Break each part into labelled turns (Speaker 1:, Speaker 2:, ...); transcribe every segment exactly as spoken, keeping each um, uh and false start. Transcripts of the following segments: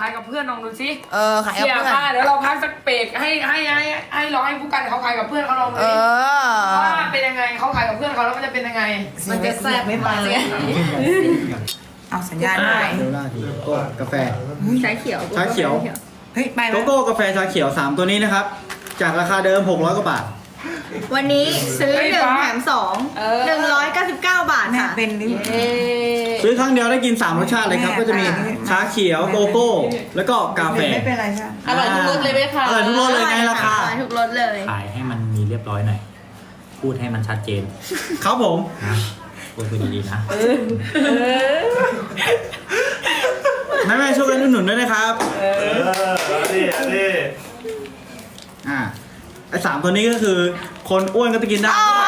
Speaker 1: ายกับเพื่อนลองดูสิ
Speaker 2: เออขายกับ
Speaker 1: เสีย
Speaker 2: เพื่อน
Speaker 1: ค่ะเดี๋ยวเราพักสักเบรกให้ให้ให้ให้ร้องให้ผู้กันเขาขายกับเพื่อนเขาลองดู
Speaker 2: เอ
Speaker 1: ดิ
Speaker 2: อ
Speaker 1: ว่าเป็นยังไงเขาขายกับเพื่อนเขาแล้วมันจะเป็นยังไง
Speaker 2: มันจะแซ่บไม่ไปเอาสัญญาณหน่อย
Speaker 3: เดลล่าทีโก้กาแฟ
Speaker 4: ชาเขียว
Speaker 3: ชาเขียว
Speaker 2: เฮ้ยไปไหม
Speaker 3: โกโก้กาแฟชาเขียวสามตัวนี้นะครับ จากราคาเดิมหกร้อยกว่าบาท
Speaker 4: วันนี้ซื้อหนึ่งแถมสองหนึ่งร้อยเก้าสิบเก้าบาท
Speaker 2: แม่
Speaker 4: ค่ะ
Speaker 2: เป็นหรือ
Speaker 3: ซื้อครั้งเดียวได้กินสามรสชาติเลยครับ
Speaker 2: แม่
Speaker 3: ก็จะมี
Speaker 2: แม่
Speaker 3: ชาเขียวโกโก้ แล้วก็กาแฟ
Speaker 2: ไม่เป็นไรใช่ไหม
Speaker 4: อร่อยทุกรสเลยไหมคะ
Speaker 3: อร่อยทุกรสเลยไงราคา
Speaker 4: อร่อยทุกรสเลย
Speaker 5: ขายให้มันมีเรียบร้อยหน่อย พูดให้มันชัดเจน
Speaker 3: ครับผม
Speaker 5: นะพูดไปดีๆนะ
Speaker 3: แม่แม่ๆช่วยกันอุดหนุนด้วยนะครับ
Speaker 6: เออนี่นี่
Speaker 3: อ่าไอ้สามตัวนี้ก็คือ คนอ้วนก็จะกินได้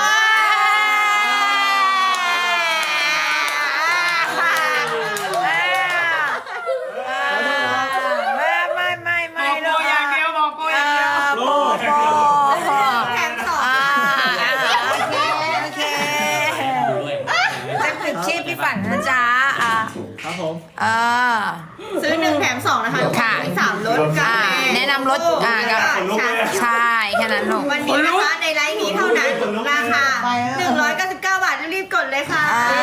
Speaker 2: ไม่ไม่ไม่
Speaker 1: บ
Speaker 2: ไม่
Speaker 1: อกโปรอย่างเดียวบอกโปรอย่างเดียว
Speaker 2: โปโป
Speaker 4: แถมสอง
Speaker 2: อ่าโอเคโอเค
Speaker 5: ดูด้วย
Speaker 2: จะปิดชีพพี่ฝันนะจ๊ะอ่า
Speaker 3: ครับผม
Speaker 2: เออ
Speaker 4: ซื้อหนึ่งแถมสองนะคะ
Speaker 2: ค่ะ
Speaker 4: มีสามรสกา
Speaker 2: อ่า
Speaker 4: แฟ
Speaker 2: แนะนำรสอ่ากับ
Speaker 4: ชา
Speaker 2: ใช่แค่นั้นลูก
Speaker 4: วันนี้นะคะในไลฟ์นี้เท่านั้นราคาหนึ่งร้อยเก้าสิบเก้าบาทรีบๆกดเลยค่ะ
Speaker 2: อ่า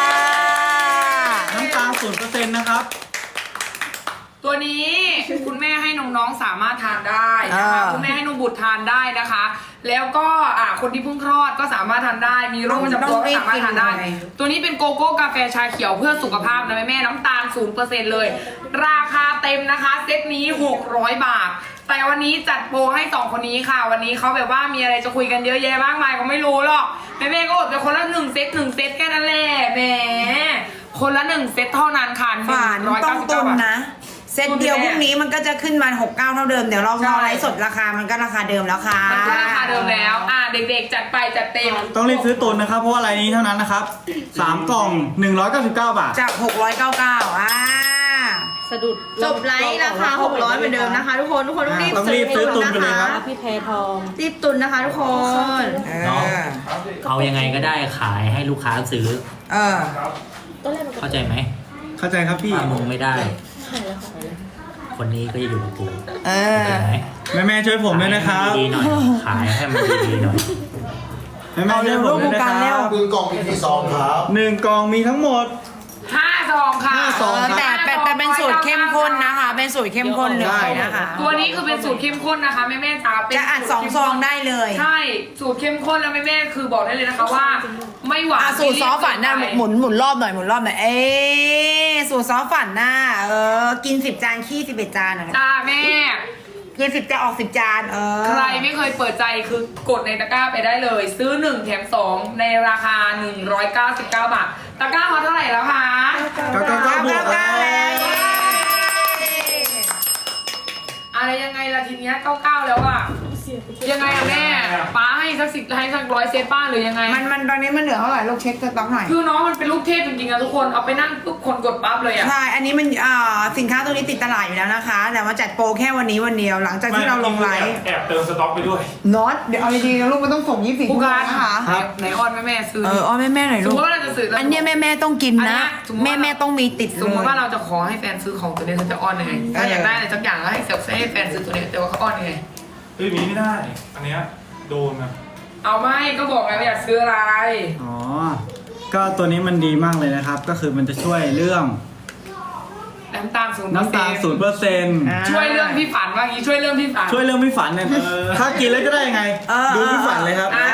Speaker 3: น้ำตาลศูนย์เปอร์เซ็นต์นะครับ
Speaker 1: ตัวนี้คุณแม่ให้น้องๆสามารถทานได้นะคะ
Speaker 2: อ่า
Speaker 1: คุณแม่ให้นมบุตรทานได้นะคะ แล้วก็อ่าคนที่เพิ่งคลอดก็สามารถทานได้ มีโรคประจำตัวก็สามารถทานได้ ตัวนี้เป็นโกโก้กาแฟชาเขียวเพื่อสุขภาพนะแม่แม่ๆน้ำตาล ศูนย์เปอร์เซ็นต์ เลย ราคาเต็มนะคะเซตนี้หกร้อยบาท แต่วันนี้จัดโปรให้สองคนนี้ค่ะ วันนี้เขาแบบว่ามีอะไรจะคุยกันเยอะแยะมากมายก็ไม่รู้หรอกแม่แม่ๆก็อดไปคนละหนึ่งเซตหนึ่งเซตแค่นั้นแหละแหมคนละหนึ่งเซตเท่านั้นค่ะหนึ่
Speaker 2: ฝั
Speaker 1: ง
Speaker 2: น
Speaker 1: ร้อย
Speaker 2: ต้อ
Speaker 1: เก้าง สิบ
Speaker 2: ตุ
Speaker 1: เก้าน บาท
Speaker 2: นะ เซตเดียวพรุ่งนี้มันก็จะขึ้นมาหกเก้าเท่าเดิม เดี๋ยวเรา
Speaker 1: ใช่
Speaker 2: รอไลฟ์สดราคามันก็ราคาเดิมแล้วค่ะ
Speaker 1: มันก็ราคาเดิมแล้ว อ่าเด็กๆ จัดไปจัดเต็ม
Speaker 3: ต้องรีบซื้อตุนนะครับ เพราะว่าอะไรนี้เท่านั้นนะครับสามกล่องหนึ่งร้อยเก้าสิบเก้าบาท
Speaker 2: จากหกร้อยเก้าสิบเก้าอ่า
Speaker 4: สะดุดจบไลฟ์ราคาหกร้อยเหมือนเดิมนะคะ ทุกคนทุกคนต้องรีบ
Speaker 3: ต้องรีบซื้อตุนกันเลยครับ
Speaker 4: พี่แพทองรีบตุนนะคะทุกคน
Speaker 2: เอ
Speaker 5: เนาะ
Speaker 2: อ
Speaker 5: เอายังไงก็ได้ขายให้ลูกค้าซื้อ
Speaker 2: เออ
Speaker 5: เข้าใจไหม
Speaker 3: เข้าใจครับพี่
Speaker 5: ถ้ามึงไม่ได้ คนนี้ก็จะอยู่กับกู
Speaker 2: เออ
Speaker 5: เข้าใจไหม
Speaker 3: แม่แม่ๆช่วยผมด้วยนะครับ
Speaker 5: ดีๆหน่อย ขายให้มันดีๆหน่อย
Speaker 3: แม่แม่ๆช่วยผมด้วยนะค
Speaker 2: เอาเร็
Speaker 3: รั
Speaker 2: ว
Speaker 3: บ
Speaker 2: ๆ
Speaker 7: หนึ่งกล่องมีกี่ซองครับ
Speaker 3: หนึ่งกล่องมีทั้งหมด
Speaker 1: ห้าซองค่ะ
Speaker 3: ห้าซอง
Speaker 2: เออแต่แต่แต่เป็นสูตรเข้มข้นนะคะ เป็นสูตรเข้มข้นเลยนะคะ
Speaker 1: ตัวนี้คือเป็นสูตรเข้มข้นนะคะแม่แม่ๆจ๋าเป็น
Speaker 2: จะอัดสองซองได้เลย
Speaker 1: ใช่ สูตรเข้มข้นแล้วแม่แม่ๆคือบอกได้เลยนะคะว่า ไม่หวาน
Speaker 2: อ่ะสูตรซอสฝันหน้าหมุนหมุนรอบหน่อยหมุนรอบหน่อย เอ๊ะสูตรซอสฝันหน้า เออ กินสิบจานขี้สิบเอ็ดจานอ่ะ
Speaker 1: จ้าแม่
Speaker 2: กินสิบจานออกสิบจาน เออ
Speaker 1: ใครไม่เคยเปิดใจคือกดในตะกร้าไปได้เลย ซื้อหนึ่งแถมสองในราคาหนึ่งร้อยเก้าสิบเก้าบาท ตะกร้าเขาเท่าไหร่แล้วคะ
Speaker 3: เก้าเก้าเก้าบวก
Speaker 2: เก้าเก้าแล้ว
Speaker 1: อะไรยังไงล่ะทีเนี้ยเก้าเก้าแล้วอะยังไงอะแม่ป้าให้สักสิบให้สักร้อยเซตป้าหรือยังไง
Speaker 2: มันมันตอนนี้มันเหลือเท่าไหร่ลูกเช็คสต็อกหน่อย
Speaker 1: คือน้องมันเป็นลูกเทพจริงๆอะทุกคนเอาไปนั่งทุกคนกดปั๊บเลยอะ
Speaker 2: ใช่ อันนี้มันอ่าสินค้าตัวนี้ติดตลาดอยู่แล้วนะคะ แต่ว่าจัดโปรแค่วันนี้วันเดียว หลังจากที่เราลงไลฟ์
Speaker 6: แอบเติมสต็อกไปด้วย
Speaker 2: น็อตเดี๋ยวเอาดีๆนะลูกมันต้องส่งยี่สิบชั่
Speaker 1: ผู้
Speaker 2: วโมง
Speaker 1: การ
Speaker 2: นะคะ
Speaker 3: ครับ
Speaker 1: ไหนออนแม่แม่ๆซื้อ
Speaker 2: เอออ้อแม่แม่ๆหน่อย
Speaker 1: ส
Speaker 2: ลู
Speaker 1: ม
Speaker 2: ก
Speaker 1: มติว่าเราจะซื้อ
Speaker 2: อันเนี้ยแม่แม่ๆต้องกิน
Speaker 1: อัน
Speaker 2: นะ
Speaker 1: เนี้ยสมมุติว่า
Speaker 2: แม่แม่ๆต้องมีติด
Speaker 1: สมมติว่า
Speaker 2: เลย
Speaker 1: เราจะขอให้แฟนซื้อของตัวนี้เขาจะอ้อนยังไงถ้าอยากได้อะไรสักอย่างก็ให้เซลฟ์ให้แฟนซื้อตัวนี้แต่ว่าเขาอ้อนยังไง
Speaker 6: เฮ้ยมีไม่ได้ อันเนี้ยโดนนะ
Speaker 1: เอาไม่ก็บอกไงว่าอยากซื้ออะไร
Speaker 3: อ๋อ ก็ตัวนี้มันดีมากเลยนะครับ ก็คือมันจะช่วยเรื่อง
Speaker 1: น้ำตาลศูนย์
Speaker 3: น้ำตาลศูนย์เปอร์เซ็นต์
Speaker 1: ช่วยเรื่องพี่ฝันว่างี้ช่วยเรื่องพี่ฝัน
Speaker 3: ช่วยเรื่องไม่ฝันเนี่ยถ้ากินแล้วจะได้ยังไง
Speaker 2: เออ
Speaker 3: ดูไม่ฝันเลยครับ
Speaker 1: อ่า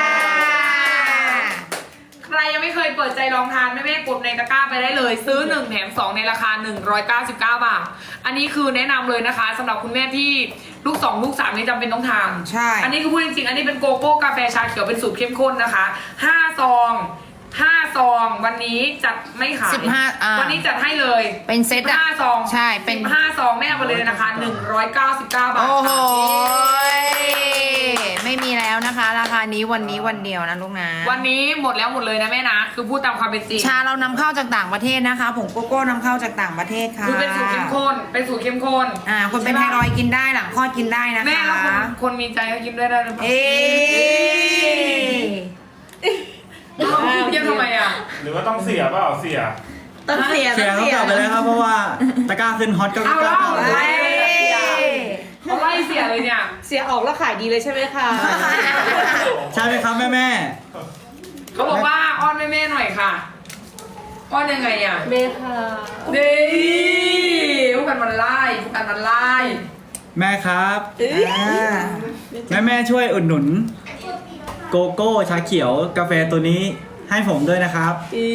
Speaker 1: ใครยังไม่เคยเปิดใจลองทานแม่แม่ๆกดในตะกร้าไปได้เลย ซื้อหนึ่งแถมสองในราคาหนึ่งร้อยเก้าสิบเก้าบาท อันนี้คือแนะนำเลยนะคะสำหรับคุณแม่ที่ลูกสองลูกสามนี่จำเป็นต้องทาน
Speaker 2: ใช่
Speaker 1: อันนี้คือพูดจริงๆ อันนี้เป็นโกโก้กาแฟชาเขียวเป็นสูตรเข้มข้นนะคะห้าซองห้าซองวันนี้จัดไม่ขาย
Speaker 2: สิบห้าอ่า
Speaker 1: วันนี้จัดให้เลย
Speaker 2: เป็นเซตอะ
Speaker 1: ห้าซอง
Speaker 2: ใช่เป็น
Speaker 1: ห้าซองแม่เอาไปเลยนะคะหนึ่งร้อยเก้าสิบเก้าบาท
Speaker 2: โอ้โห
Speaker 1: ค่ะ
Speaker 2: ไม่มีแล้วนะคะ ราคานี้วันนี้วันเดียวนะลูกนะ
Speaker 1: วันนี้หมดแล้วหมดเลยนะแม่นะ คือพูดตามความเป็นจริง
Speaker 2: ชาเรานำเข้าจากต่างประเทศนะคะผงโกโก้นำเข้าจากต่างประเทศค่ะ
Speaker 1: คือเป็นสูตรเข้มข้น เป็นสูตรเข้มข้น
Speaker 2: อ่าคนเป็นไทรอยด์กินได้หลังคลอดกินได้นะคะ
Speaker 1: แม่แล้วคนคนมีใจก็กินได้ได้หรือเปล่า
Speaker 2: เอ๊ะ
Speaker 1: เอ้าเยี่ยมทำไมอ่ะ
Speaker 6: หรือว่าต้องเสียเปล่าเสีย
Speaker 4: ต้องเสีย
Speaker 3: เสีย
Speaker 4: ต้อง
Speaker 3: เขา
Speaker 4: เสีย
Speaker 3: กลับไปแล้วครับเพราะว่าตะกร้าขึ้นฮอตก็
Speaker 1: เอา
Speaker 3: กล้า
Speaker 1: แล้ว
Speaker 3: เข้า
Speaker 1: ไล่เขาไล่เสียเลยเนี่ย
Speaker 7: เสียออกแล้วขายดีเลยใช่ไหมคะ
Speaker 3: ใช่ไหมครับแม่แม่
Speaker 1: เขาบอกว่าอ้อนแม่ๆหน่อยค่ะอ้อนยังไงอ่ะ
Speaker 7: เมค่ะ
Speaker 1: ดีผู้กันมันไล่ผู้กันมันไล่
Speaker 3: แม่ครับ
Speaker 2: อ่า
Speaker 3: แม่แม่ช่วยอุดหนุน โกโก้ชาเขียวกาแฟตัวนี้ให้ผมด้วยนะครับ
Speaker 7: อี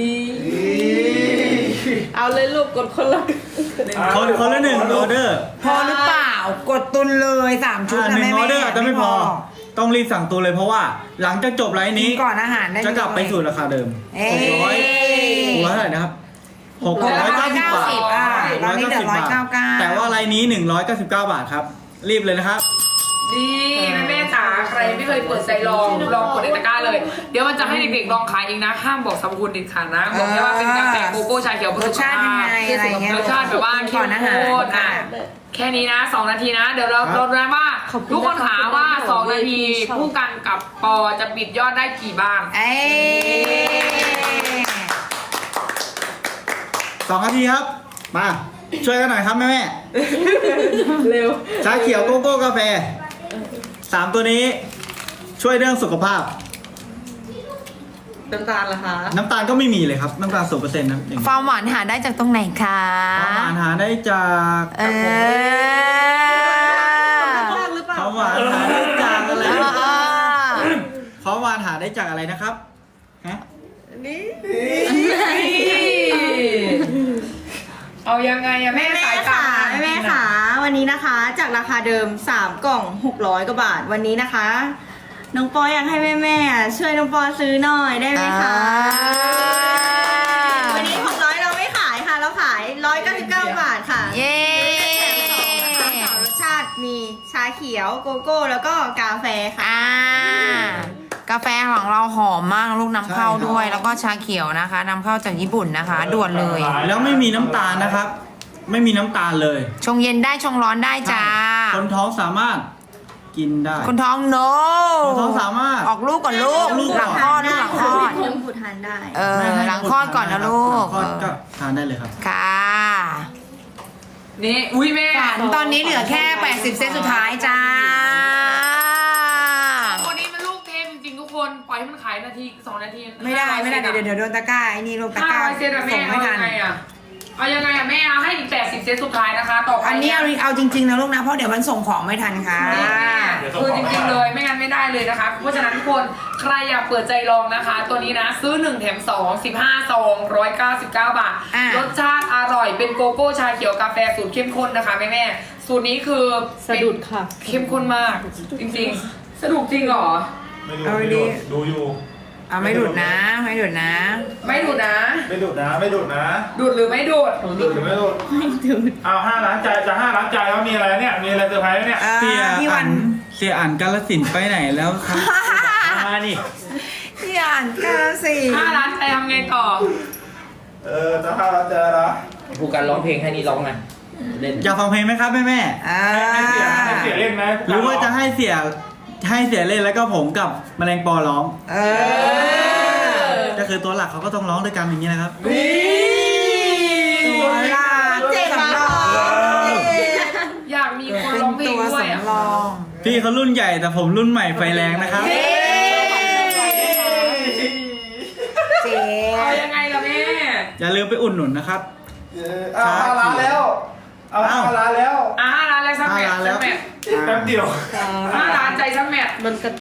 Speaker 7: เอาเลยลูกกดคนละ
Speaker 3: คนคนละหนึ่งออเดอร์
Speaker 2: พอหรือเปล่ากดตุนเลยสามชุด
Speaker 3: อ่า
Speaker 2: นะ
Speaker 3: หนึ่
Speaker 2: แม่
Speaker 3: งออ
Speaker 2: แม่
Speaker 3: เดอร์อาจจะไม่พอ ต้องรีบสั่งตัวเลยเพราะว่าหลังจากจบไลฟ์นี้
Speaker 2: ก่อนอาหารได้
Speaker 3: จะกลับไปสู่ราคาเดิม
Speaker 2: เอ้
Speaker 3: หกร้อย
Speaker 2: ย
Speaker 3: หกร้อยเท่าไหร่นะครับหกร้อยเก้าสิบบาท
Speaker 2: อ่าตอนนี้เหลือร้อยเก้าเก้า
Speaker 3: แต่ว่าไลน์นี้หนึ่งร้อยเก้าสิบเก้าบาทครับ รีบเลยนะครับ
Speaker 1: ดีแม่ๆจ๋าใครไม่เคยเปิดใจลองลองกดในตะกร้าเลย เดี๋ยวมันจะให้เด็กๆลองขายเองนะห้ามบอกสรรพคุณเด็ดขาดนะบอกแค่ว่าเป็นกาแฟโกโก้ชาเขียว
Speaker 2: รสชาติยังไงอะไรเงี้ย
Speaker 1: รสชาติแบบว่าเข้
Speaker 2: ก่อ
Speaker 1: ม
Speaker 2: นอาหาร
Speaker 1: ข้นอ่ะแค่นี้นะสองนาทีนะ เดี๋ยวเรา
Speaker 3: ครับ
Speaker 1: เราดูนะว่าทุกคนถามว่าสองนาทีคู่กันกับปอจะปิดยอดได้กี่บ้าง
Speaker 2: เอ้ย
Speaker 3: สองนาทีครับ มาช่วยกันหน่อยครับแม่แม่
Speaker 7: เร็ว
Speaker 3: ชาเขียวโกโก้กาแฟสามตัวนี้ช่วยเรื่องสุขภาพ
Speaker 7: น้ำตาลล่ะคะ
Speaker 3: น้ำตาลก็ไม่มีเลยครับ น้ำตาลศูนย์เปอร์เซ็นต์นะอย่าง
Speaker 2: ความหวานหาได้จากตรงไหนคะ
Speaker 3: ความหวานหาได้จาก
Speaker 2: เออ
Speaker 7: มากหรือเปล่า
Speaker 3: ความหวานหาได้จากอะไร
Speaker 2: อ่า
Speaker 3: ความหวานหาได้จากอะไรนะครับฮะ
Speaker 1: เอายังไงอะแม่
Speaker 4: แม่
Speaker 1: สาย
Speaker 4: ค่ะ
Speaker 1: ตา
Speaker 4: แม่ค่ะวันนี้นะคะ จากราคาเดิมสามกล่องหกร้อยกว่าบาทวันนี้นะคะ น้องปออยากให้แม่แม่ๆช่วยน้องปอซื้อหน่อยได้ไหมคะ วันนี้หกร้อยเราไม่ขายค่ะ เราขายหนึ่งร้อยเก้าสิบเก้าบาทค่ะ
Speaker 2: เย้
Speaker 4: แถมสองนะคะสามรสชาติมีชาเขียวโกโก้แล้วก็กาแฟค่ะ
Speaker 2: อ่ากาแฟของเราหอมมากลูกนำเข้าด้วย แล้วก็ชาเขียวนะคะนำเข้าจากญี่ปุ่นนะคะ ด่วนเลย
Speaker 3: แล้วไม่มีน้ำตาลนะครับ ไม่มีน้ำตาลเลย
Speaker 2: ชงเย็นได้ชงร้อนได้จ้า
Speaker 3: คนท้องสามารถกินได้
Speaker 2: คนท้องโน
Speaker 3: คนท้องสามารถ
Speaker 2: ออกลูกก่อนลูก
Speaker 3: ออกลูก
Speaker 2: ห
Speaker 3: ก่
Speaker 2: ลั
Speaker 3: อน
Speaker 2: งคลอดลูกหลังคลอด
Speaker 4: ผมผูทานได้
Speaker 2: เออ
Speaker 3: ไม่ให้
Speaker 2: หลังคลอดก่อนนะลูก
Speaker 3: หลังคลอดก็ทานได้เลยครับ
Speaker 2: ค่ะ
Speaker 1: นี่อุ้ยแม่
Speaker 2: ฝันตอนนี้เหลือแค่แปดสิบเซตสุดท้ายจ้า
Speaker 1: คนนี้มันลูกเทพจริงๆทุกคนปล่อยให้มันขายนาทีสองนาที
Speaker 2: ไม่ได้ไม่ได้เดี๋ยวเดี๋ยวโดนตะกร้าไอ้นี่ลงตะ
Speaker 1: ห้าก
Speaker 2: ร้า
Speaker 1: ร้อยเซตอะแม่
Speaker 2: ส่งไม่
Speaker 1: เอา
Speaker 2: ทั
Speaker 1: ยั
Speaker 2: น
Speaker 1: งไงอะเอายังไงอะแม่เอาให้อีกแปดสิบเซตสุดท้ายนะคะต่อไป
Speaker 2: อันนี้เอาเอาจริงๆนะลูกนะเพราะเดี๋ยวมันส่งของไม่ทันค่ะ
Speaker 1: คือจริงๆเลยไม่งั้นไม่ได้เลยนะคะ เพราะฉะนั้นทุกคนใครอยากเปิดใจลองนะคะ ตัวนี้นะซื้อหนึ่งแถมสอง สิบห้าซองหนึ่งร้อยเก้าสิบเก้าบาท
Speaker 2: อ่ะ
Speaker 1: รสชาติอร่อยเป็นโกโก้ชาเขียวกาแฟสูตรเข้มข้นนะคะแม่แม่ๆสูตรนี้คือ
Speaker 7: สะดุดค่ะ
Speaker 1: เข้มข้นมาก จริงๆสะดุดจริงเหรอ
Speaker 6: ไม่ดู
Speaker 2: เอา
Speaker 6: ไม่
Speaker 2: ดี
Speaker 6: ดูดูอยู่
Speaker 2: เอาไม่ดุดนะ ไม่ดุดนะ
Speaker 1: ไม่ดูดนะ
Speaker 6: ไม่ดูดนะไม่ดูดนะ
Speaker 1: ดูดหรือไม่ดูด
Speaker 6: ดูดหรือไม่ดูดไม่ดูดเอาห้าล้านใจจะห้าล้านใจแล้วมีอะไรเนี่ยมีอะไรเซอร์ไพรส์ไหมเนี่ย
Speaker 2: อ่า
Speaker 3: เสีย
Speaker 2: พี่
Speaker 3: อั
Speaker 2: วัน
Speaker 3: นเสียอันกาลสินธุ์ไปไหนแล้วครับ มานี่
Speaker 2: พี่อ่านกาสิ
Speaker 1: ห้าล้านใจทำไงต่อ
Speaker 6: เออจะห้าล้านใจแล้ว
Speaker 5: ผู้การร้องเพลงให้นี่ร้องไงเล่น
Speaker 3: อยากฟังเพลงไหมครับแม่แม่
Speaker 2: อ่า
Speaker 6: ให้เสียให้เสียเล่นไหม
Speaker 3: หรือว่าจะให้เสียให้เสียเล่นแล้วก็ผมกับแมลงปอร้อง
Speaker 2: เออ
Speaker 3: ก็คือตัวหลักเขาก็ต้องร้องด้วยกันอย่างนี้นะครับ
Speaker 2: ตัวลา
Speaker 4: เจ็บ
Speaker 2: สำรอง
Speaker 1: อยากมีคน
Speaker 2: เป็น
Speaker 1: ร้องเพลง
Speaker 2: ตัว
Speaker 1: ด้วยอะ
Speaker 2: สำรอง
Speaker 3: พี่เขารุ่นใหญ่แต่ผมรุ่นใหม่ไฟแรงนะครับ
Speaker 2: เจ๊เจ๊
Speaker 1: เอายังไงล่ะแม่
Speaker 3: อย่าลืมไปอุดหนุนนะครับ
Speaker 6: เออเอาห้าล้านแล้วเอาห้าล้านแล้ว
Speaker 1: อ่ะห้าล้านแล้วสักแมท
Speaker 3: ห้าล้านแล้
Speaker 1: สั
Speaker 3: ว
Speaker 1: กแมท
Speaker 6: แป๊บเดียว
Speaker 1: ห้าล้านใจสักแมท
Speaker 7: มันกระ